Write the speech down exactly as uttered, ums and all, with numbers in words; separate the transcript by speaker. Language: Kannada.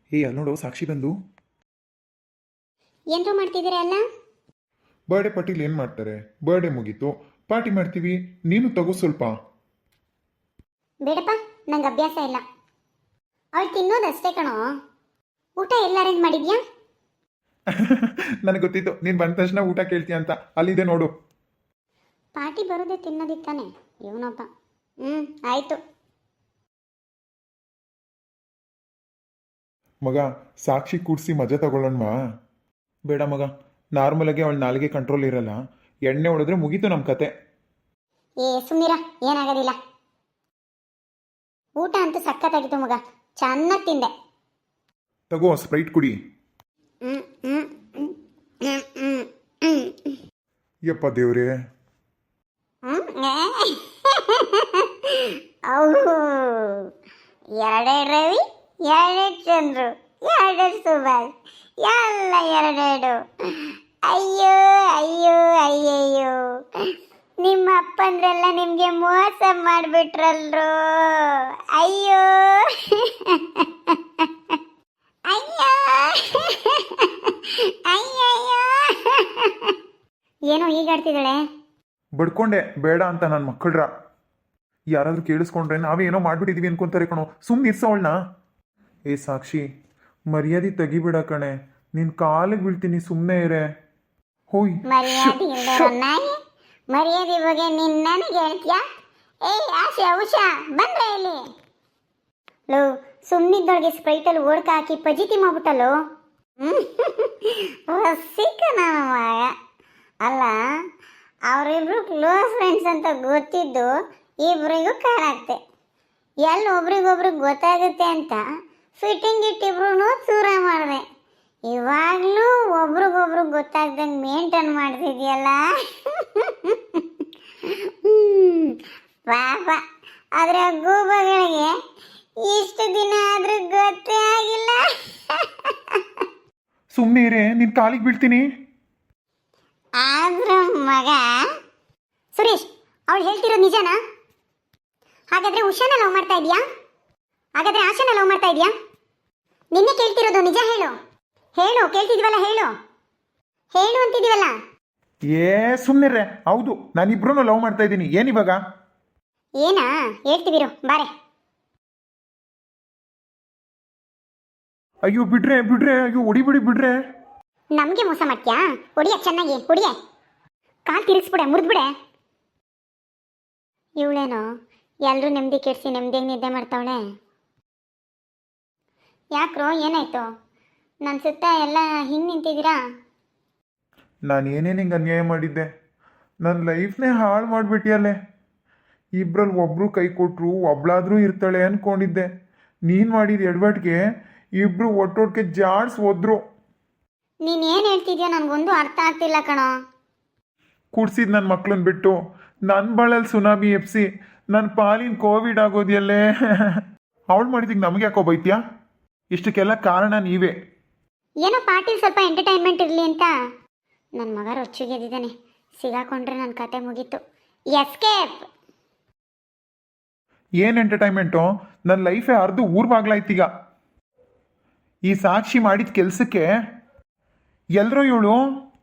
Speaker 1: ಏ ಅಲ್ಲಿ ನೋಡು ಸಾಕ್ಷಿ ಬಂದು.
Speaker 2: ಏನರು ಮಾಡ್ತಿದ್ದೀರಾ ಅಲ್ಲ?
Speaker 1: ಬರ್ಡೇ ಪಾರ್ಟಿಲಿ ಏನು ಮಾಡ್ತಾರೆ? ಬರ್ಡೇ ಮುಗೀತು, ಪಾರ್ಟಿ ಮಾಡ್ತೀವಿ. ನೀನು ತಗೋ ಸ್ವಲ್ಪ.
Speaker 2: ಬೇಡಪ್ಪ, ನಂಗೆ ಅಭ್ಯಾಸ ಇಲ್ಲ. ಅವಳು ತಿನ್ನೋದಷ್ಟೇ ಕಣೋ. ಊಟ ಎಲ್ಲ ಅರೇಂಜ್ ಮಾಡಿದ್ಯಾ?
Speaker 1: ನನಗೆ ಗೊತ್ತಿತ್ತು ನೀನು ಬಂದ ತಕ್ಷಣ ಊಟ ಕೇಳ್ತೀಯ ಅಂತ. ಅಲ್ಲಿದೆ ನೋಡು.
Speaker 2: ಪಾರ್ಟಿ ಬರೋದೇ ತಿನ್ನೋದಿತ್ತಾನೆ ಇವನೊಬ್ಬ. ಹ್ಞೂ ಆಯಿತು.
Speaker 1: ಮಗ, ಸಾಕ್ಷಿ ಕೂಡಿಸಿ ಮಜಾ ತಗೊಳ್ಳೋಣವಾ? ಬೇಡ ಮಗ, ನಾರ್ಮಲಾಗಿ ಅವಳ ನಾಲಿಗೆ ಕಂಟ್ರೋಲ್ ಇರಲ್ಲ. ಎಣ್ಣೆ ಹೊಡೆದ್ರೆ ಮುಗೀತು ನಮ್ಮ ಕತೆ.
Speaker 2: ಏ ಸುಮ್ಮನಿರ, ಏನಾಗೋದಿಲ್ಲ. ಊಟ ಅಂತೂ ಸಖತ್ತಾಗಿತ್ತು ಮಗ, ಚೆನ್ನಾಗಿ ತಿಂದೆ.
Speaker 1: ತಗೋ ಸ್ಪ್ರೈಟ್ ಕುಡಿ.
Speaker 2: ಹ್ಞೂ ಹ್ಞೂ ಹ್ಞೂ ಹ್ಞೂ ಹ್ಞೂ ಹ್ಞೂ
Speaker 1: ಯಪ್ಪ ದೇವ್ರೇ.
Speaker 2: ಅವು ಎರಡೆರಡು ರವಿ, ಎರಡೆರಡು ಚಂದ್ರು, ಎರಡೆರಡು ಸುಭಾಷ್, ಎಲ್ಲ ಎರಡೆರಡು. ಅಯ್ಯೋ ಅಯ್ಯೋ ಅಯ್ಯಯ್ಯೋ, ನಿಮ್ಮ ಅಪ್ಪಂದ್ರೆಲ್ಲ ನಿಮಗೆ ಮೋಸ ಮಾಡಿಬಿಟ್ರಲ್ರು. ಅಯ್ಯೋ ಅಯ್ಯೋ ಅಯ್ಯಯ್ಯೋ. ಏನೋ ಈಗ ಆಡ್ತಿದ್ದಾಳೆ.
Speaker 1: ಬಡ್ಕೊಂಡೆ ಬೇಡ ಅಂತ ನನ್ನ ಮಕ್ಕಳ್ರ. ಯಾರಾದ್ರೂ ಕೇಳಿಸ್ಕೊಂಡ್ರೆ ನಾವೇ ಏನೋ ಮಾಡ್ಬಿಟ್ಟಿದೀವಿ ಅನ್ಕೊಂತಾರೆ ಕಣೋ. ಸುಮ್ಮನೆ ಇರ್ಸವಳನ್ನ. ಏ ಸಾಕ್ಷಿ, ಮರ್ಯಾದೆ ತೆಗಿಬಿಡ ಕಣೆ. ನಿನ್ ಕಾಲಿಗೆ ಬೀಳ್ತೀನಿ, ಸುಮ್ಮನೆ ಇರೇ. ಹೋಯ್
Speaker 2: ಮರ್ಯಾದೆ ಇಲ್ದಿರೋ ನಾಯಿ, ಮರ್ಯಾದೆ ಬಗ್ಗೆ ನೀನ್ ನನಗೆ ಹೇಳ್ತೀಯಾ? ಏಯ್ ಆಶಾ ಉಷಾ ಬಂದ್ರೆ ಇಲ್ಲಿ. ಲೋ, ಸುಮ್ಮನಿದ್ದೊಳಗೆ ಸ್ಪ್ರೈಟಲ್ಲಿ ಓಡ್ಕ ಹಾಕಿ ಪಜಿತಿ ಮಾಡ್ಬಿಟ್ಟಲು. ಸಿಕ್ಕ ನನ್ನ ಮಗ. ಅಲ್ಲ, ಅವರಿಬ್ರು ಕ್ಲೋಸ್ ಫ್ರೆಂಡ್ಸ್ ಅಂತ ಗೊತ್ತಿದ್ದು ಇಬ್ರಿಗೂ ಕಾಣಾಗ್ತೆ. ಎಲ್ಲಿ ಒಬ್ರಿಗೊಬ್ರಿಗೆ ಗೊತ್ತಾಗುತ್ತೆ ಅಂತ ಫಿಟ್ಟಿಂಗ್ ಇಟ್ಟಿಬ್ರು ಚೂರ ಮಾಡಿದೆ. ಇವಾಗಲೂ ಒಬ್ರಿಗೊಬ್ರು ಗೊತ್ತಾಗ್ದಂಗೆ ಮೇಂಟೈನ್ ಮಾಡ್ತಿದ್ಯಲ್ಲ. ಪಾಪ, ಆದರೆ ಗೂಬಗಳಿಗೆ ಇಷ್ಟು ದಿನ ಆದ್ರೂ ಗೊತ್ತೇ ಆಗಿಲ್ಲ.
Speaker 1: ಸುಮ್ಮನೆ ಇರೇ, ನಿನ್ ಕಾಲಿಗೆ ಬೀಳ್ತೀನಿ.
Speaker 2: ಆದ್ರೂ ಮಗ ಸುರೇಶ್, ಅವಳು ಹೇಳ್ತಿರೋದು ನಿಜನಾ? ಹಾಗಾದ್ರೆ ಉಷಾನ ಲವ್ ಮಾಡ್ತಾ ಇದೀಯಾ? ಹಾಗಾದ್ರೆ ಆಶಾನ ಲವ್ ಮಾಡ್ತಾ ಇದೀಯಾ? ನಿನ್ನೆ ಕೇಳ್ತಿರೋದು ನಿಜ ಹೇಳು. ಹೇಳು, ಕೇಳ್ತಿದ್ವಲ್ಲ, ಹೇಳು ಹೇಳು ಅಂತಿದೀವಲ್ಲ.
Speaker 1: ಏ ಸುಮ್ಮನಿರ್ರೆ. ಹೌದು, ನಾನಿಬ್ರು ಲವ್ ಮಾಡ್ತಾ ಇದ್ದೀನಿ. ಏನಿವಾಗ?
Speaker 2: ಏನಾ ಹೇಳ್ತಿವಿರು ಬಾರೆ.
Speaker 1: ಅಯ್ಯೋ ಬಿಡ್ರೆ ಬಿಡ್ರೆ, ಅಯ್ಯೋ ಹೊಡಿಬಿಡಿ ಬಿಡ್ರೆ.
Speaker 2: ನಮಗೆ ಮೋಸ ಮಾಡ್ತೀಯಾ? ಹೊಡಿಯ, ಚೆನ್ನಾಗಿ ಹೊಡಿಯ. ಕಾಲು ತಿರುಗಿಸ್ಬಿಡೆ, ಮುರಿದ್ಬಿಡೆ. ಇವಳೇನೋ ಎಲ್ಲರೂ ನೆಮ್ಮದಿ ಕೆಡಿಸಿ ನೆಮ್ಮದಿಯಾಗಿ ನಿದ್ದೆ ಮಾಡ್ತಾವಳೆ. ಯಾಕ್ರೋ, ಏನಾಯ್ತು? ನನ್ನ ಸುತ್ತ ಎಲ್ಲ ಹಿಂಗೆ ನಿಂತಿದ್ದೀರಾ?
Speaker 1: ನಾನು ಏನೇನು ಹಿಂಗೆ ಅನ್ಯಾಯ ಮಾಡಿದ್ದೆ? ನನ್ನ ಲೈಫ್ನೇ ಹಾಳು ಮಾಡಿಬಿಟ್ಟಿಯಲ್ಲೇ. ಇಬ್ಬರಲ್ಲಿ ಒಬ್ಬರು ಕೈ ಕೊಟ್ಟರು ಒಬ್ಳಾದರೂ ಇರ್ತಾಳೆ ಅಂದ್ಕೊಂಡಿದ್ದೆ. ನೀನು ಮಾಡಿದ ಎಡವಟ್ಟಿಗೆ ಇಬ್ಬರು ಒಟ್ಟೊಟ್ಟಿಗೆ ಜಾಡ್ಸ್ ಹೋದ್ರು.
Speaker 2: ನೀನು ಏನು ಹೇಳ್ತಿದ್ಯೋ ನನಗೊಂದು ಅರ್ಥ ಆಗ್ತಿಲ್ಲ ಕಣೋ.
Speaker 1: ಕುಡ್ಸಿದ್ ನನ್ನ ಮಕ್ಳನ್ನ ಬಿಟ್ಟು ನನ್ನ ಬಾಳಲ್ಲಿ ಸುನಾಮಿ ಎಪ್ಸಿ ನನ್ನ ಪಾಲಿನ ಕೋವಿಡ್ ಆಗೋದಿಯಲ್ಲೇ. ಅವಳು ಮಾಡಿದಿಗೆ ನಮಗೆ ಯಾಕೋ ಬೈತ್ಯಾ? ಇಷ್ಟಕ್ಕೆಲ್ಲ ಕಾರಣ ನೀವೇ.
Speaker 2: ಏನೋ ಪಾರ್ಟಿಲಿ ಸ್ವಲ್ಪ ಎಂಟರ್ಟೈನ್ಮೆಂಟ್ ಇರಲಿ ಅಂತ ನನ್ನ ಮಗ ರೊಚ್ಚಿಗೆದ್ದಿದ್ದಾನೆ. ಸಿಗಾಕೊಂಡ್ರೆ ನನ್ನ ಕತೆ ಮುಗೀತು. ಎಸ್ಕೇಪ್.
Speaker 1: ಏನು ಎಂಟರ್ಟೈನ್ಮೆಂಟು? ನನ್ನ ಲೈಫೇ ಅರ್ಧ ಊರ್ ಬಾಗ್ಲಾಯ್ತೀಗ. ಈ ಸಾಕ್ಷಿ ಮಾಡಿದ ಕೆಲಸಕ್ಕೆ ಎಲ್ಲರೂ ಇವಳು